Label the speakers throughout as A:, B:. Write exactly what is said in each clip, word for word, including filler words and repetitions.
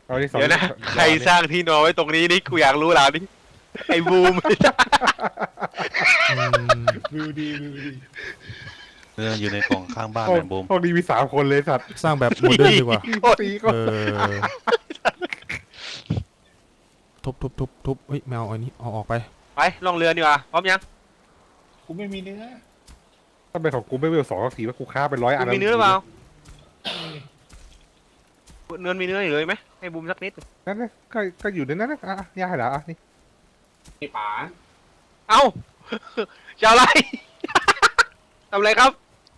A: เอาที่สอง
B: เดี๋ยวนะใครสร้างที่นอนไว้ตรงนี้นี่กูอยากรู้แล้วนี่ไอ้บูม
C: อืม
A: วิวดีวิวดี
D: เรื่องอยู่ในกล่องข้างบ้าน
A: ห้อง
D: แมนบูม
A: ห้องนี้มีสามคนเลยสัตว์
C: สร้างแบบโมเดิร์นดีกว่า
A: ตีก็
C: เออทุบทุบทุบทุบเฮ้ยแมวอันนี้เอาออกไป
B: ไปล่องเรือดีกว่าพร้อมยัง
E: กูไม่มีเนื้อ
A: ถ้าเป็นของกูไม่เวลสองก็สีว่ากูฆ่าเป็นร้อยอั
B: คุ
A: น
B: ณมีเนื้อหรือเปล่าเนื้อมีเนื้ออยู่เลยไหมให้บูมสักนิด
A: นั่นนะก็ก็อยู่ในนั้นนะอ่ะย่าเหรออ่ะนี่
E: ไอ้ป๋า
B: เอ้าจะอะไร ทำอะไรครับ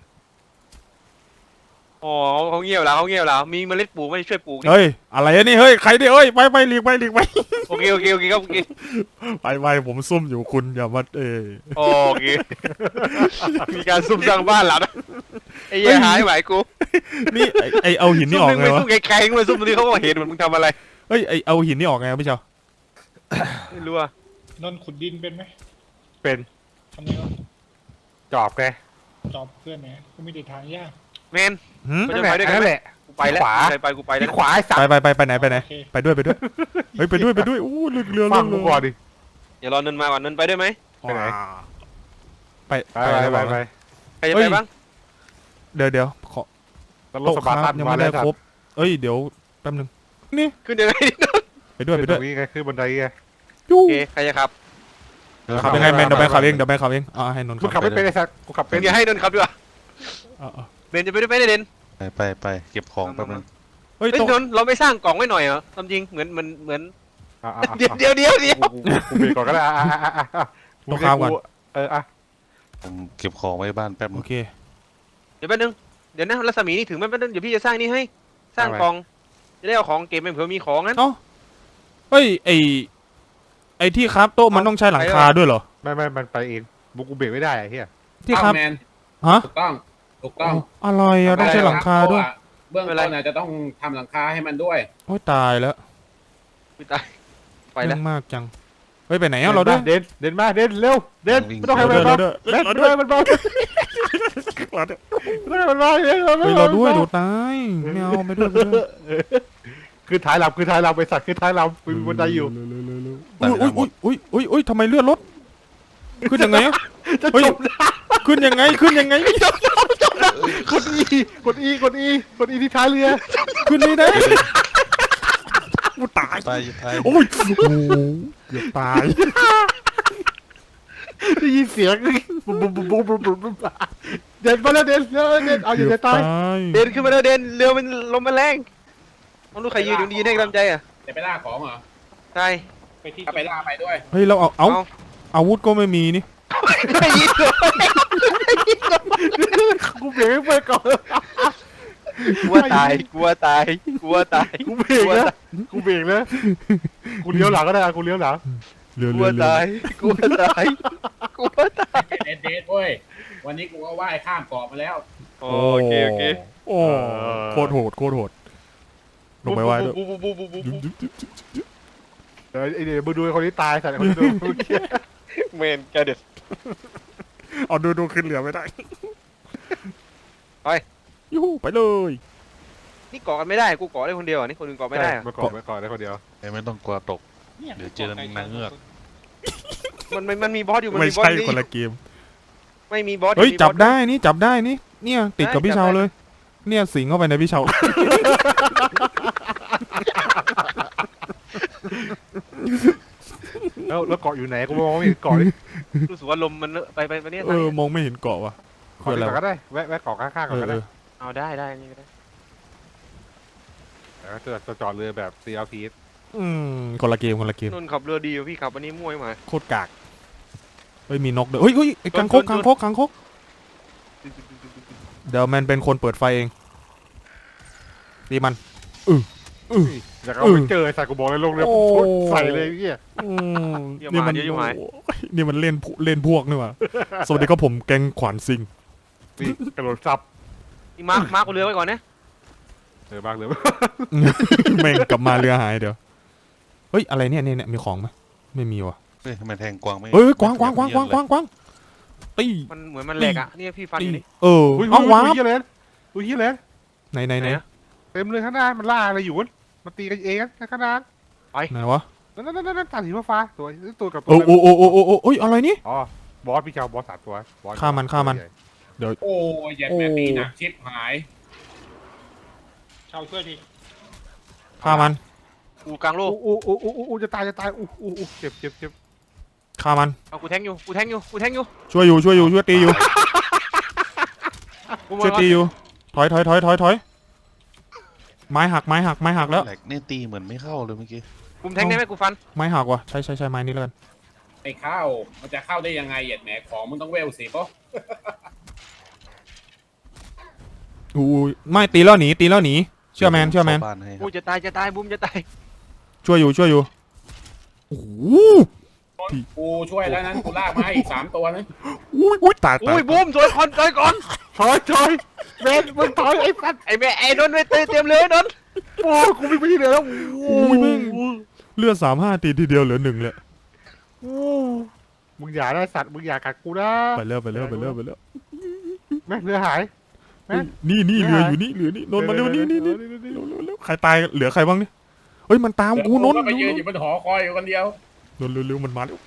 B: อ๋อเขาเงียบแล้วเขาเงียบแล้วมีเมล็ดปลูกไม่ช่วยปลูก
C: เฮ้ยอะไรอะนี่เฮ้ยใครเนี่ยเฮ้ยไปไปหลีกไปหลีกไป
B: โอเคโอเคโอเคครับโอเค
C: ไปไปผมซุ่มอยู่คุณอย่ามาเออ
B: โอเคมีการซุ่มสร้างบ้านแล้วนะไอ้เหี้ยหายไหวกู
C: นี่ไอไอเอาหินนี่ออก
B: ซุ่ม
C: ไง
B: นึง
C: วะ
B: ไปซุ่มไกลๆไปซุ่มตรงนี้เขาก็เห็นเหมือนมึงทำอะไร
C: เฮ้ยไอเอาหินนี่ออกไงพี่เจ้า
B: ไม่รู้อะ
E: นนท์ขุดดินเป็นไหม
A: เป็น
E: ทำไมวะ
A: จอบไง
E: จอบเพื่อนไหนกูมีแต่ทางยาก
B: แมน
C: หืม
B: มัน
A: นั่
B: จะ
A: นแห
B: ไป
A: ละ
B: ด้วยกัน
A: นั่น
B: ไหม
A: แหละ
B: กูไปแล้ว
A: ขวา
B: ใครไปกูไปแล้ว
A: ที่ขวาไอ้สัต
C: ไป
A: ว์
C: ไปไปไปไหนไปไหนไปด้วยไปด้วยเฮ้ยไปด้วยไปด้วยอู้เรือเรือ
A: ฟั
C: เรื
A: ง
C: อ
A: กู
C: เรือ
A: ก่อนดิ
B: อย่ารอเนินมาก่อนเนินไปด้วยไหม
A: ไปไหน
C: ไป
A: ไป
C: ไป
A: ไป
C: ไป
A: ไป
C: ไป
A: ไป
B: ใครจะไปบ้าง
C: เดี๋ยวเดี๋ยวขอ
A: แล้วรถ
C: โต๊ะ
A: ส
C: ค
A: ปาร์
C: รั
A: ตั
C: บ
A: น
C: ยัง
A: มา
C: ไม่
A: แล้
C: ได้
A: ว
C: ครบเอ้ยเดี๋ยวแป๊บนึงนี่
B: ขึ้นยังไง
C: ไปด้วยไป
A: ขึ้น
C: ด้
A: ต
C: วย
A: รงนี้ไงขึ้นบันไดไง
C: ยู
B: โอเคใครจะขับ
C: ขับยังไงแมนเดี๋ยวแมนขับเองเดี๋ยวแมนขับเองอ่าให้นนท์
A: มึงขั
C: ขั
A: บบ ไม่เป็นไอ้สัตว์กูขับ
B: เป็
A: เป็น น
B: อย่าให้นนท์ขับดีกว่า
C: อ่าอ่า
B: เบนจะไปด้วยไหมเดน
D: ไปไปไปเก็บของแป๊บนึง
C: เฮ้ย
B: เฮ้ย
C: โต๊ะ
B: นนท์เราไม่สร้างกล่องไว้หน่อยเหรอทำจริงเหมือนเหมือนเหมือน
A: อ่ะอ่ะอ่ะ
B: เดี๋ยวเดี๋ยวเดี๋ยวเดี๋ยว
A: กูกูเบรกก่อนก็ได้อ่ะอ่ะอ่ะอ่ะอ่ะ
C: ต้องข้ามก่อน
A: เอออ่ะ
D: ผมเก็บของไว้บ้านแป๊บนึ
C: โอง เค
B: เดี๋ยวแป๊บนึงเดี๋ยวนะรัศมีนี่ถึงแป๊บนึงเดี๋ยวพี่จะสร้างนี่ให้สร้างกล่องจะได้เอาของเก็บไปเผื่อมีของนั้น
C: เอ้าเฮ้ยไอไอที่ครับโต๊ะมันต้องใช้หลังคาด้วยเหรอ
A: ไม่ไม่มันไปเองบุกกูเบรกไม่ได้ไอ้เหี้ย
C: ที่ครับ
E: แมน
C: ฮะ
E: ถูกต้องถูกต้อง
C: อะไรอะต้องใช้หลังคาด้วย
E: เบื้องต้นน่ะจะต้องทำหลังคาให้มันด้วย
C: โอ้ยตายแล้ว
B: ไม่ตายไปแล้ว
C: เรื่องมากจังเฮ้ยไปไหนอะเราด้วย
A: เดินเดินมาเดินเร็วเดินไม่ต้องให้มัน
C: เดิน
A: มา
C: เดิน
A: เดิน
C: เดิน
A: เดินมันมาไม่ต้องให้มันมาเดิน
C: เฮ้ยเราด้วยดูตายไม่เอาไปด้วยไปด้วย
A: คือท้ายลำคือท้ายลำไปสัตว์คือท้ายลำมีบันไดอยู่
C: อุ้ยอุ้ยอุ้ยอุ้ยอุ้ยทำไมเลือดลดขึ้นยังไงอะ
A: จะ
C: เฮ้ย
A: จบ
C: ขึ้นยังไงขึ้นยังไง
A: กดอีกดอีกดอีกดอีที่ท้ายเรือ
C: ขึ้นไม่ได้กูตาย
D: ไปไป
C: โอ้ยโอ้โหเกือบตาย
A: ได้ยินเสียงบุบบุบบุบบุบบุบบุบเดินมาแล้วเดินเดินเดินเอาอยู่ใน
C: เกือบ
A: ตาย
C: ย
B: เดินขึ้นมาแล้วเดินเรือมันลมมันแรงต้องรู้ใครยืนอยู่ยืนให้กำลังใจอ่ะ
E: จะไปล่าของเหรอ
B: ใช่
E: ไปที่ไปล่าไปด้วย
C: เฮ้ยเราเอาเอาอาวุธก็ไม่มีนี่
B: ไม่ยืนเลย
A: กูเบรกไปก่อน
B: กลัวตายกลัวตายกลัวตาย
A: กูเบรกนะกูเบรกนะกูเลี้ยวหลังก็ได้กูเลี้ยวหลัง
C: เรือก
B: ลั
C: เรื
B: ว
C: อเรือ
B: ตายกลัวตายกลัวตาย
E: เด็ดเด็ดเว้ยวันนี้กูก็ว่ายข้ามเกาะมาแล้ว
B: โอเคโอเค
C: โอ้โคตรโหดโคตรโหดลงไปว่ายด้วย
B: บูบูบูบูบูบู
A: เดี๋ยวไอ้เดี๋ยวมึงดูคนที่ตายสัตว์คนที่ดู
B: เมนแกเด็ด
C: เอาดูดูขึ้นเรือไม่ได้
B: ไป
C: ยูหูไปเลย
B: นี่เกาะกันไม่ได้กูเกาะได้คนเดียวอ่ะนี่คนอื่นเกาะไม่ได้อ่ะ
A: มาก่อนมาก่อนได้คนเดียว
D: ไม่ต้องกลัวตก เดี๋ยวเจอนางเงือก
B: มันมันมันมีบอสอยู่มัน
C: ไม่
B: มีบอส
C: ใช่
B: นี่
C: คนละเกม
B: ไม่มีบอส
C: เฮ้ย
B: มีอส
C: จับได้นี่จับได้นี่เนี่ยติดกับ
B: ได้
C: พี่
B: จับ
C: เชา
B: ได้
C: เลย เนี่ยสิงเข้าไปในพี่เชา
A: แล้วแล้วเกาะอยู่ไหนกูมองไม่เห็นเกาะนี่
B: รู้สึกว่าลมมันไปไปไปเนี่ย
C: เออมองไม่เห็นเกาะว่ะ
A: เกาะก่อนก็ได้แวะแวะเกาะข้างๆก่
C: เอ
A: อน
C: อ
A: ก็
C: เอ
A: ได้
C: อ
B: เอาได้ได้นี่ก็ได้
A: แล้วก็จะจอดเรือแบบ ซี แอล พี
C: อืมคนละเกมคนละเกม
B: นนท์ขับเรือดีกว่าพี่ขับอันนี้มั่วมา
C: โคตรกากเฮ้ยมีนกด้วยเฮ้ยเฮ้ยไอ้กังคก
B: ชนชน
C: กังคกกังคกเดี๋ยวแมนเป็นคนเปิดไฟเองตีมัน
A: อยากเอาไปเจอไอ้สัตว์กูบอกเลยลงเรือ
C: โอ้
A: ใส่เลยพี่
C: อืมนี่มันนี่มันเล่นเล่นพวกนี่หว่าสวัสดีครับผมแกงขวานซิง
A: นี่กระโดดซับ
B: นี่มาร์คมาร์คเรือไว้ก่อนนะ
A: เออบ้างเลย
C: แม่งกลับมาเรือหายเดี๋ยวเฮ้ยอะไรเนี่ยเนี่ยเนี่ยมีของไหมไม่มีว่ะ
D: เฮ้ยทำไมแทงกวางไม่
C: เฮ้ยกวางกวางกวางกวางกวางกวางตี
B: มันเหมือนมันแหลกอ่ะนี่พี่ฟัน
C: ตี
B: อยู่นี่
C: เออ
A: อุ้ย
C: เอา
A: อุ้
C: วาย ร์ป
A: เฮียเลยอุ้ยเฮียเลย
C: ไหนไหนไหน
B: ไหนอะ
A: เต็มเลยข้างหน้ามันล่าอะไรอยู่วะมันตีกันเองนะขนาด
C: ไหนวะ
A: นั่นนั่นนั่นตาสีฟ้าตัวตัวกับตั
C: โอ้
A: ว
C: โอ้โอ้โอ้โอ้โอ้เอ้ยอะไรนี่
A: อ๋อบอสพี่เจ้าบอสสามตัวบอส
C: ฆ่ามันฆ่ามัน
E: โอ้ยแย่แม่ตีหนักชิบหาย
F: ชาวช่วยที
C: ฆ่ามัน
B: กูกลางโลก
A: อู้อู้อู้อู้อู้จะตายจะตายอู้อู้อู้เจ็บเจ็บเจ็บ
C: ฆ่ามัน
B: เอากูแทงอยู่กูแทงอยู่กูแทงอยู่
C: ช่วยอยู่ช่วยอยู่ช่วยตีอยู่
B: กูมา
C: ช่วยตีอยู่ถอยถอยถอยถอยถอยไม้หักไม้หักไม้หักแล้ว
D: แหลกเนี่ยตีเหมือนไม่เข้าเลยเมื่อกี้
B: กูแทงได้ไหมกูฟัน
C: ไม้หักว่ะใช้ใช้ใช้ไม้นี้แล้วกัน
E: ไอ้เข้ามันจะเข้าได้ยังไงเหยียดแหมของมึงต้องเวลสิปะ
C: อู้ไม่ตีแล้วหนีตีแล้วหนีเชื่อแมนเชื่อแมน
D: ข้าบ้านให้ค
B: กู
D: รับ
B: จะตายจะตายบูมจะตาย
C: ช่วยอยู่ช่วยอยู่โอ้โห
E: กูช่วยแล้วนั้นกูลากมาให้อีกสามตัวนะ
C: อุ้ยอุ้ยตายตาย
B: อุ้ยบูมสวยคนสวยก่อน
A: ถอยถอยเบนมึงถอยไอ้สัตว์
B: ไอ้แม่ไอ้นนท์ไม่เตะเตรียมเลยนนท์
A: โอ้กูไม่ไปที่ไหนแล้ว
C: อุ้ยแม่งเลือดสามห้าตีทีเดียวเหลือหนึ่งเลย
A: อู้มึงอย่าได้สัตว์มึงอย่ากัดกูนะ
C: ไปเร็วไปเร็วไปเร็วไปเร็ว
A: แม่เรือหาย แม่
C: นี่นี่
A: ไม่
C: เรือ
A: หาย
C: อยู่นี่เรือนี่นนท์มาเร็วนี่นี่นี่เร็วเร็วเร็วใครตายเหลือใครบ้างเนี่ยเฮ้ยมันตามกูนนท์
E: ก็ไปยืนอยู่บนหอคอยอยู่คนเดียวน
C: นท์เร็วเร็วมันมาแล้ว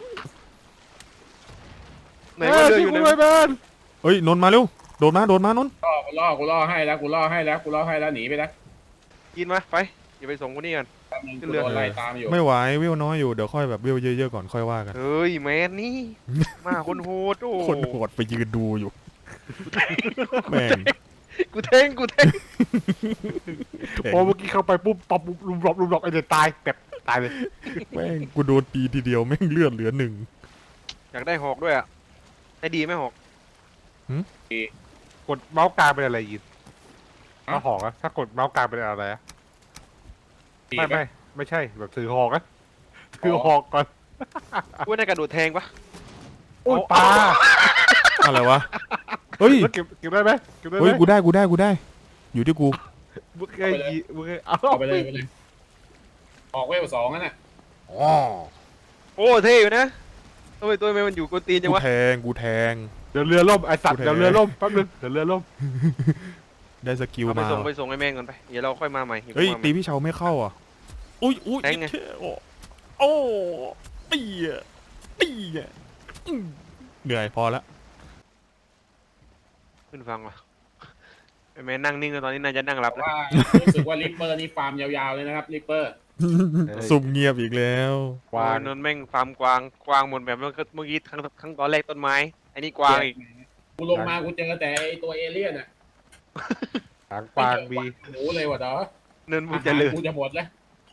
B: ไหนว่าเรืออยู่
A: ไห
B: ไห
A: น
B: น
A: เบน
C: เฮ้ยนนท์มาเร็วโดดมาโดดมานนท์
E: ล่อกูล่อกูล่อให้แล้วกูล่อให้แล้วกูล่อให้แล้วหนีไปแล้ว
B: กินมาไปอย่าไปส่งคนนี้กัน
E: แป๊บนึง
B: ขึ้
E: กู
B: นเรือ
E: โดนไล่ตามอยู่
C: ไม่ไหววิวน้อยอยู่เดี๋ยวค่อยแบบวิวเยอะๆก่อนค่อยว่ากัน
B: เฮ้ยแมนนี่มาคนโหดโอ้
C: คนโหดไปยืนดูอยู่แม่ง
B: กูแทงกูแทง
A: พอเมื่อกี้เข้าไปปุ๊บปั๊บปุ๊บลุมหลบลุมหลบไอ้เด็กตายแบบตายเลย
C: แม่งกูโดนตีทีเดียวแม่งเลือดเหลือหนึ่ง
B: อยากได้หอกด้วยอ่ะได้ดีไหมหอก
A: กดเมาส์กลางเป็นอะไรยินถ้าหอกอะถ้ากดเมาส์กลางเป็นอะไรอะไม่ไม่ไม่ใช่แบบถือหอกอะถือหอกก่อน
B: กูได้กระโดดแทงปะ
A: โอ้ยปลา
C: อะไรวะเฮ้ย
A: แล้วเก็บเก็บได้ไหมเก็บได้ไหม
C: เฮ้ยกูได้กูได้กูได้ อยู่ที่กู
A: มึงเคยยิมึงเคยเอา
E: เอาไปเลยไปเลยออกเวลสองนั่นน่ะ
C: อ๋อ
B: โอ้เท่อยู่นะตัวตัวแม่มันอยู่กวนตีนจัง
C: กู
B: วะ
C: แทงกูแทง
A: เดี๋ยวเรือล่มไอสัตว์
C: กูแทง
A: เดี๋ยวเรือล่มแป๊บนึงเดี๋ยวเรือล่ม
C: ได้สกิล
B: เอาไป
C: มา
B: ส่งไปส่งไอ้แม่งก่อนไปเดี๋ยวเราค่อยมาใหม่
C: เฮ้ยตีพี่เชาไม่เข้าอ่ะอุ้ยอุ้ย
B: แทงไง
C: โอ้โอ้ตีอ่ะตีอ่ะอื้อเหนื่อยพอละ
B: ขึ้นฟังว่ะไอ้แม่นั่งนิ่งเลยตอนนี้นายจะนั่งหลับแล้ว
E: ว่ารู้สึกว่าลิปเปอร์นี่ฟาร์มยาวๆเลยนะครับลิปเปอร์
C: ซุ่มเงียบอีกแล้ว
A: วาง
B: นนแม่งฟาร์มกวางกวางหมดแบบเมื่อกี้ครั้งครั้งตอนแรกต้นไม้อันนี้กวางอีก
E: กูลงมากูเจอแต่ไอ้ตัวเอเลี่ยนอ่ะ
A: หางปลางมี
E: หมูเลยว่ะเด้อ
B: เนินบุญเจริญ
E: กูจะหมดแล้ว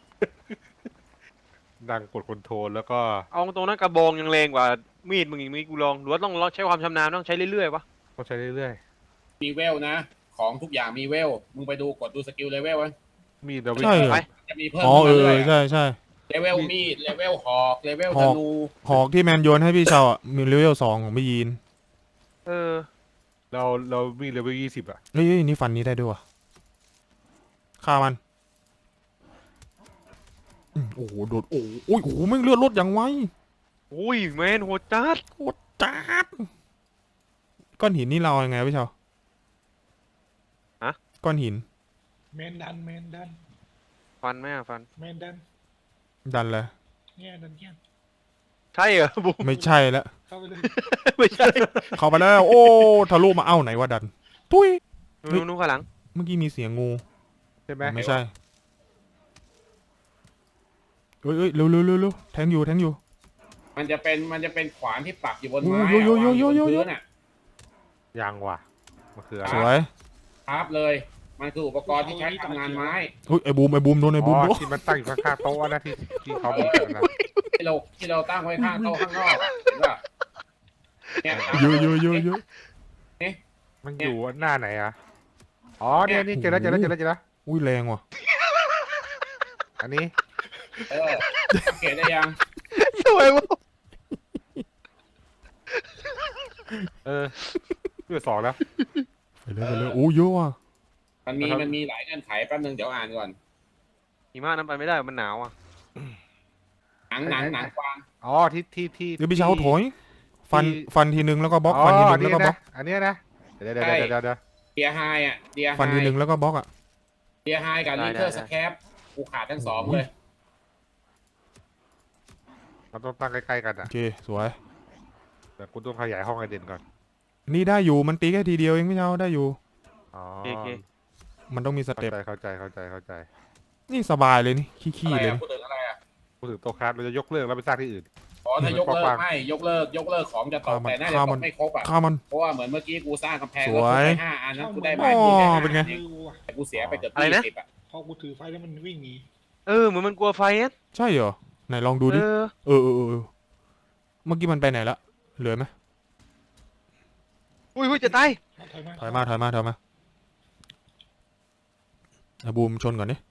A: ดังกดคอนโทรลแล้วก็
B: เอาตรงนั้นกระบองยังแรงกว่ามีดมึงอีกมีกูลองหรือว่าต้องใช้ความชำนาญต้องใช้เรื่อยๆวะ
A: ต้องใช้เรื่อย
E: มีเวลนะ ของทุกอย่างมีเวลมึงไปดูกดดูสกิลเลเวลไว้
A: ๆมีดเราไม่
C: ใช่เหรอ
B: ไป
E: จะมีเพิ่ม
C: อ๋อเอ
E: ขึ้น
C: อ
E: มาเรื่อยๆ
C: ใช่ใช่
E: เลเวลมีดเลเวลหอกเลเวล
C: ห
E: ธ
C: อก
E: นู
C: หอกที่แมนโยนให้พี่เชาอ่ะมีเลเวลสองของพี่ยีน
B: เออ
A: เราเรามีเลเวลยี่สิบอะ
C: เฮ้ยเฮ้ยนี่ฟันนี้ได้ด้วยวะฆ่ามันอืมโอ้โหโดดโอ้โหโอ้ยโอ้โหแม่งเลือดลดอย่างไว
B: อุ้ยแมนโหดจัด
C: โคตรจัดก้อนหินนี่เราเอายังไงพี่เชาก้อนหิน
F: แมนดันแมนดัน
B: ฟันไหมอะฟัน
F: แมนดัน
C: ดันเลย
F: เนี่ยดันเทียน
B: ใช่เหรอบุ้ม
C: ไม่ใช่แล้ว
F: เข้าไปเลย
B: ไม่ใช่
C: เข้าไปแล้ว โอ้ทะลุมาเอ้าไหนว่าดันตุ้ย
B: นู้นนู้นข้างหลัง
C: เมื่อกี้มีเสียงงู
A: ใช่ไหม
C: ไม่ใช่เอ้ยเอ้ยเร็วเร็วเร็วเร็วแทงอยู่แทงอยู่
E: มันจะเป็นมันจะเป็นขวานที่ปักอยู่บน
C: โอ้
E: ไม้
C: โยโยโยโยโยโย
E: วางบนพื้นน่ะ
A: ยังว่ะมันคืออะไร
C: สวย
E: ครับเลย มันคืออุปกรณ์ที่ใช้ทำงานไม้
C: อุ้ยไอ้บูมไอ้บูมโดนไอ้บูม
A: อ๋
C: โด
A: อน ที่มันตั้งอยู่ข้างๆโต๊ะนะที่ที่เขามีกันนะ
E: ที่เราที่เราตั้งไว้ข้างโต๊ะข้างนอกเห็นป่ะเนี่ย
C: เยอะเยอะเยอะเยอะ
A: มันอยู่หน้าไหนอะอ๋อเนี่ยนี่เจอแล้วเจอแล้วเจอแล้วเจอแล้ว
C: อุ้ยแรงว่ะ
A: อันนี้
E: เออสังเกตได้ยัง
B: สวยบุ้ม
A: เออเพื่อสองแล้ว
C: ไปเลยไปเลยโอ้เยอะว่ะ
E: มันมี
A: นะครับ
E: มันมีหลายเงื่อนไขแป๊บนึงเดี๋ยวอ่านก่อน
B: หิมะนั้นไปไม่ได้มันหนาวอ่ะ
E: หนังหนังหนังกวาง
A: อ๋อที่ที่ที่
C: เดี๋ยวพี่เช้าถอยฟัน
A: ที่
C: ฟันทีนึงแล้วก็บล็อก
A: อ๋อ
C: ฟันทีนึ
A: อัน
C: งแล้
A: นี้
C: วก็บล็อ
A: นะ
C: ก
A: อันเนี้ยนะเดี๋ยวเดี๋ยวเดี๋ยวเดี๋ยวเดี๋ยว
E: เดียไฮอ่ะเดียไฮ
C: ฟันทีนึงแล้วก็บล็อกอ่ะ
E: เดียไฮกับลิเทอร์สแคปกูกูขาดทั้งสองเลย
A: เราต้องตั้งใกล้ๆกัน
C: โอ
A: อ่ะ
C: เคสวย
A: แต่กูต้องขยายห้องไอเด่นก่อน
C: นี่ได้อยู่มันตีแค่ทีเดียวเองไม่เอาได้อยู่
A: อ๋อ
B: โอเค
C: มันต้องมีส
A: เข้า
C: เต็ป
A: ใจเข้าใจเข้าใจเข้าใจ
C: นี่สบายเลยนี่ขี้
E: อะไร
C: ๆเลย
E: อะ
C: นี่
E: พูดถึงอะไรอะ
A: พูดถึงโต๊ะครับเราจะยกเลิกแล้วไปสร้างที่อื่น
E: อ๋อถ้ายกเลิ
A: กว้าก ง
E: ไม่ยกเลิกยกเลิกของจะตก
C: ฆ่ามัน
E: แต่น่าจะ
C: ฆ่า
E: ต
C: มัน
E: กไม่ครบอ่ะ
C: ฆ่ามัน
E: เพราะว่าเหมือนเมื่อกี้กูสร้างกำแพง
C: ส
E: แล้ว
C: วย
E: กูได้ห้าอันนั้นกูได้
C: อ๋
E: ไม้
C: อ
E: ที่แค่ห้า
C: เป็นไง
E: อั
F: มือว่ะ
E: แต่กูเสียไปเกือบ
B: อะไร
E: ยี่
B: นะ
E: สิบอ่ะ
F: พอกูถือไฟแล้วมันวิ่งหนี
B: เออเหมือนมันกลัวไฟอ่ะ
C: ใช่เหรอไหนลองดู
B: เอ
C: ดิ
B: อ
C: เออเออเออเออเมื่อกี้มันไปไหนละเหลือไหม
B: อุ้ยอุ้ยจะตาย
F: ถอยมา
C: ถอยมาถอยมาถอยมาไอ้บูมชนก่อนนี่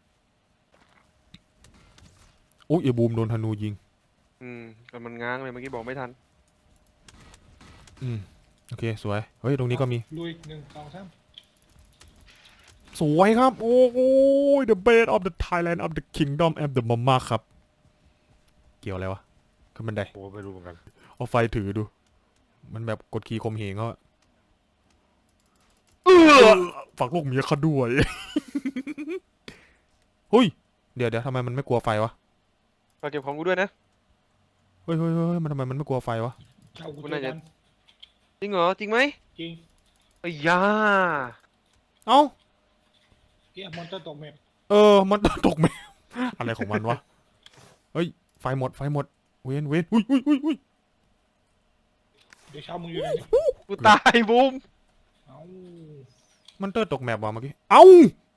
C: อุ้ยไอ้บูมโดนธนูยิง
B: อืมแต่มันง้างเลยเมื่อกี้บอกไม่ทัน
C: อืมโอเคสวยเฮ้ยตรงนี้ก็มี
F: ลุยหนึ่งสองสาม
C: สวยครับโอ้โห the best of the Thailand of the kingdom of the mama ครับเกี่ยวอะไรวะขึ้นบันได
A: โอ้ไม่รู้เหมือนกัน
C: เอาไฟถือดู มันแบบกดขี่ข่มเหงเขาอะ
B: เออ
C: ฝากลูกเมียเขาด้วย เฮ้ยเดี๋ยวเดี๋ยวทำไมมันไม่กลัวไฟวะ
B: ฝากเก็บของกูด้วยนะ
C: เฮ้ยเฮ้ยเฮ้ยมันทำไมมันไม่กลัวไฟวะ
F: เช่ากู
B: มัน
F: เจอ
B: น่าจะ
F: กัน
B: จริงเหรอจริงไหม
F: จริง
B: ไอ้ยา
C: เอ้า
F: เกียร์มอนเตอร์ตกแมป
C: เออ มันตกแมว อะไรของมันวะ เฮ้ย ไฟหมด ไฟหมด เวนเวนอุ้ยอุ้ยอุ้ยอุ้ย
F: เดี๋ยวเช่ามึงอยู่ไหนเนี่ย
B: กูตายบูม
F: เอ้า
C: มันเตอร์ตกแมปว่ะเมื่อกี้ เอ้า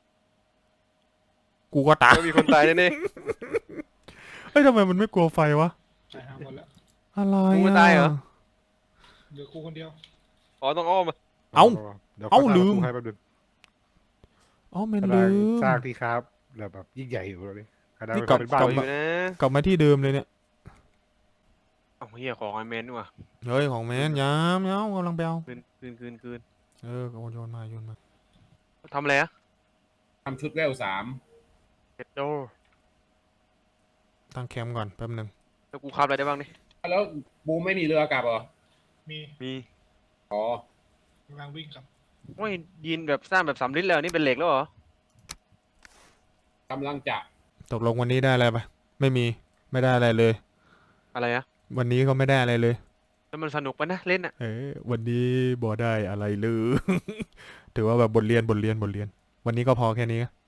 C: กูก็ตาย
B: ก็มีคนตายแน่
C: เฮ้ยทำไมมันไม่กลัวไฟวะ
F: ตายหาหมดแล้ว
C: อะไร
B: ๆมึง
C: อ่ะ
B: ไม่ตายเหรอ
F: เหลือกูคนเดียว
B: อ๋อต้องอ้อมมา
C: เอ้า
A: เดี๋ยว
C: เอ้า
A: ขสร้ง
C: ลืม
A: ประตูให้แป๊บนึง
C: เอ้ามัน
A: กำลั
C: ลื
A: ง
C: ม
A: สร้างที่ครับแล้วแบบยิ่งใหญ่อยู่เลยขนาด
C: นี่
A: มัน
C: กลับ
A: เป็นบ้าน
C: กลับ
B: อ
A: เล
B: ยู่
A: ย
B: นะ
C: กลับมาที่เดิมเลยเนี่ย
B: เอ้าเฮียของไอแมนนี่ว่ะ
C: เฮ้ย ของแมนยามยามกำลังไปเอา
B: คืนคืนคืนคืน
C: เออโยนมาโยนมา
B: ทำอะไรอะ
E: ทำชุดเวลสาม
B: เก็ตโด
C: ตั้งแคมป์ก่อนแป๊บหนึง
B: แล้วกูขับอะไรได้บ้างนี่
E: แล้วบูมไม่มีเรือกลับเหรอ
F: มี
B: มี
E: อ๋อก
F: ำลังวิ่งกลับ
B: โอ้ยยินแบบสร้างแบบสำลิดแล้วนี่เป็นเหล็กแล้วเหรอก
E: ำลังจะ
C: ตกลงวันนี้ได้อะไรปะไม่มี ไม่ได้อะไรเลย
B: อะไรอะ
C: วันนี้ก็ไม่ได้อะไรเลย
B: แล้วมันสนุกปะนะเล่นอะ
C: เออวันนี้บ่ได้อะไรเลย ถือว่าแบบบทเรียนบทเรียนบทเรียน วันนี้ก็พอแค่นี้